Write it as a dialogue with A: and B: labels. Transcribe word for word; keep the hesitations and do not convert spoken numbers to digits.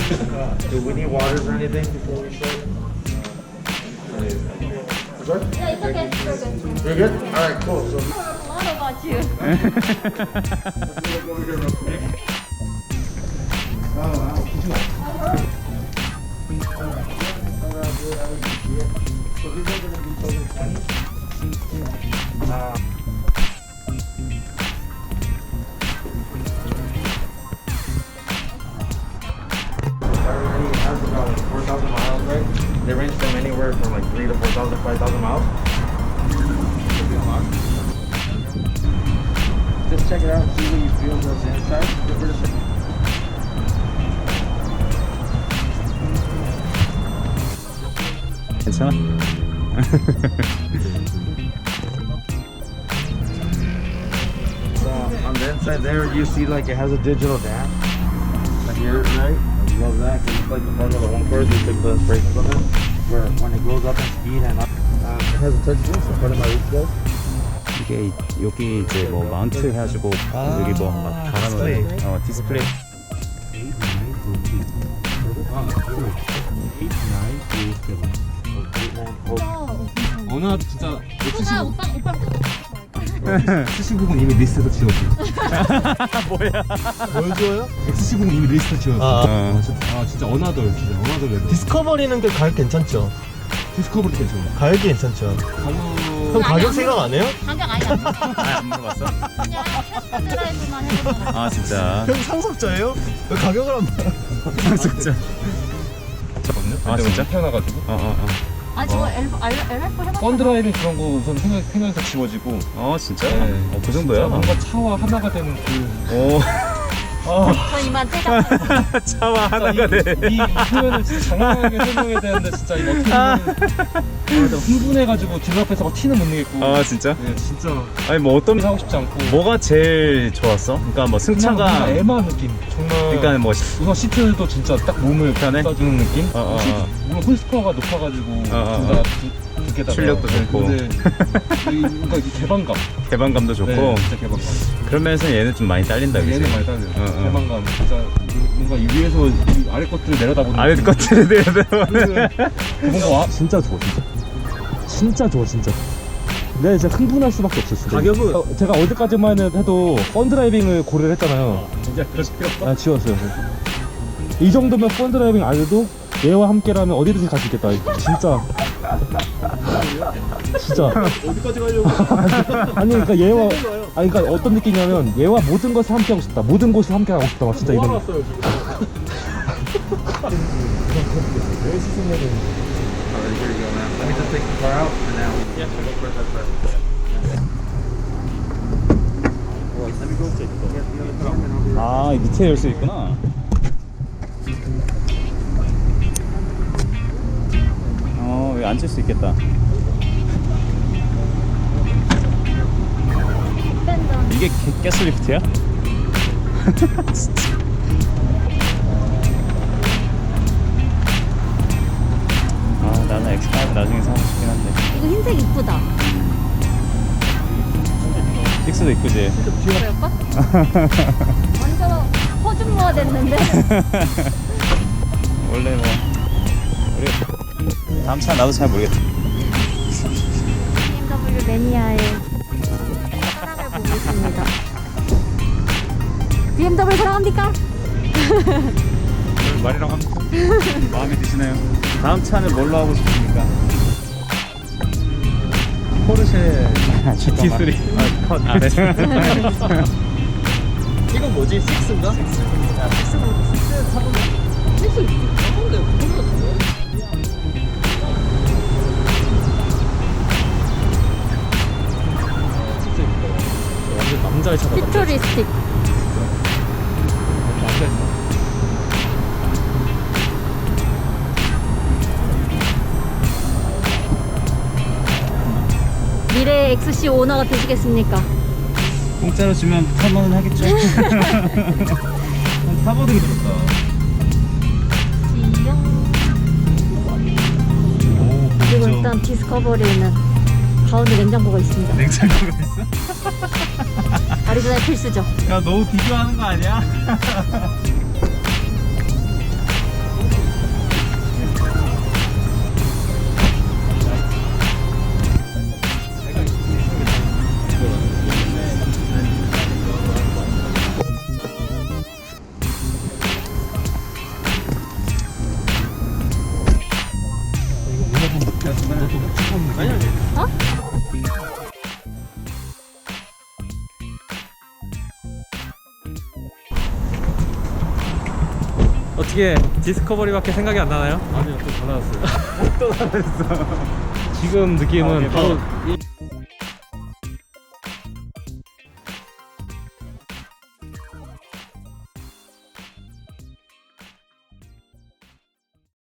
A: Do we need waters or anything before we start? Sorry?
B: Yeah, it's okay. We're good.
A: You're good? Alright, cool. So
B: A lot about you.
A: already has about like four thousand miles, right? They range from anywhere from like three to four thousand, five thousand miles. Just check it out, see what you feel goes inside. Give it a second.
C: 괜찮아?
A: So on the inside there, you see like it has a digital dash. Like here, right? I love that because it's like the Formula One cars. We took the inspiration from it. Where when it goes up in speed and up, um, it has a touch screen. So part of my reach goes.
C: 이게 여기 이제 뭐 마운트 해가지고 여기 뭐 막 달아놓는 어 디스플레이.
D: 어느 진짜
B: 오빠, 오빠, 오빠.
D: 엑스십오는 이미 리스트에서 지웠어.
C: 뭐야?
D: 보여줘요? 엑스십오는 이미 리스트 지웠어.
E: 아,
C: 어.
D: 아, 진짜, 아 진짜 어나덜 진짜 어나덜 레벨.
E: 디스커버리는 게 가격 괜찮죠?
D: 디스커버리 괜찮아.
E: 가격이 괜찮죠? 형 가격 생각 안 해요?
B: 가격 아예 안 나.
C: 아, 안 물어봤어?
B: 그냥 테스트 드라이브만 해보잖아.
C: 아 진짜.
E: 형 상속자예요? 왜 가격을 안 봐?
C: 상속자. 아 진짜?
D: 태어나가지고.
C: 어어 어.
B: 아, 저거 엘프 해봤어.
D: 펀드라이빙 그런 거 우선 생각 생각해서 지워지고.
C: 어 진짜?
D: 네.
C: 어, 그 정도야?
D: 뭔가 차와 하나가 되는 그.
C: 오.
B: 저 이만 떼자.
C: 차와 하나가 돼.
D: 이, 이 표현을 진짜 장황하게 설명해야 되는데 진짜 이거 어떻게 보면 아, 내가 흥분해가지고 뒷 앞에서 막 티는 못 내겠고.
C: 아 진짜?
D: 네, 진짜
C: 아니 뭐 어떤
D: 하고 싶지 않고.
C: 뭐가 제일 좋았어? 그러니까 뭐 승차가
D: 뭔가 애매한 느낌. 정말.
C: 그러니까 뭐
D: 우선 시트도 진짜 딱 몸을
C: 편해?
D: 쏴주는 느낌?
C: 어, 어, 어.
D: 물론 홀스퍼가 높아가지고
C: 어, 어,
D: 둘다
C: 어.
D: 두 개다가
C: 출력도 좋고.
D: 근데 이- 그러니까 이 개방감.
C: 개방감도 좋고.
D: 네, 진짜 개방감.
C: 그런 면에서 얘는 좀 많이 딸린다 그지?
D: 얘는 많이 달려요.
C: 어, 어.
D: 개방감. 진짜 뭔가 이 위에서 이 아래 것들을 내려다보는.
C: 아래 것들에 대해서
D: 뭔가 와.
F: 진짜 좋아 진짜 진짜 좋아 진짜 내가 진짜 흥분할 수밖에 없어 진짜
E: 가격은?
F: 어, 제가 어디까지만 해도 펀드라이빙을 고려를 했잖아요.
D: 진짜 그렇게
F: 아 지웠어요. 이 정도면 펀드라이빙 안 해도 얘와 함께라면 어디든지 갈 수 있겠다 진짜 진짜
E: 어디까지 가려고?
F: 아니 그러니까 얘와 아니 그러니까 어떤 느낌이냐면 얘와 모든 것을 함께 하고 싶다 모든 곳을 함께 하고 싶다 막 진짜 이런
E: 왔어요 지금.
A: Alright, here you go, man. Let me just take the car out and now. Yeah, sure. Go for that first. Let me go take the car. Get the other car and I'll be right
C: 아, 이 밑에 열 수 있구나. 어, 여기 앉을 수 있겠다. 이게 게, 가스리프트야? 진짜. 아, 나는 엑스 파이브 나중에 사고 싶긴 한데.
B: 이거 흰색 이쁘다.
C: 식스도 이쁘지?
B: 그럴까? 완전 허준모가 됐는데.
C: 원래 뭐 우리 다음 차 나도 잘 모르겠다.
B: 비엠더블유 매니아의 사랑을 보고 있습니다. 비엠더블유 사랑합니까?
C: 말이랑 합니다. 마음에 드시나요? 다음 차는 뭘로 하고 싶습니까?
E: 포르쉐
C: 지티 쓰리. 아, 컷. 아, 네.
E: 이건 뭐지? 식스인가? 야, 식스 뭐 식스 타보네. 식스 타본데 포르쉐 타네.
F: 완전 남자의 차다.
B: 퓨처리스틱.
F: 남자의 차.
B: 미래의 엑스씨 오너가 되시겠습니까?
C: 공짜로 주면 타보는 하겠죠? 타보는 게 좋다.
B: 그리고 일단 디스커버리에는 가운데 냉장고가 있습니다.
C: 냉장고가 있어?
B: 아리조나의 필수죠.
C: 야, 너무 비교하는 거 아니야?
E: 어떻게 디스커버리밖에 생각이 안 나나요?
D: 아니요, 또 달라졌어요.
F: 지금 느낌은
C: 아,
F: 바로
C: 이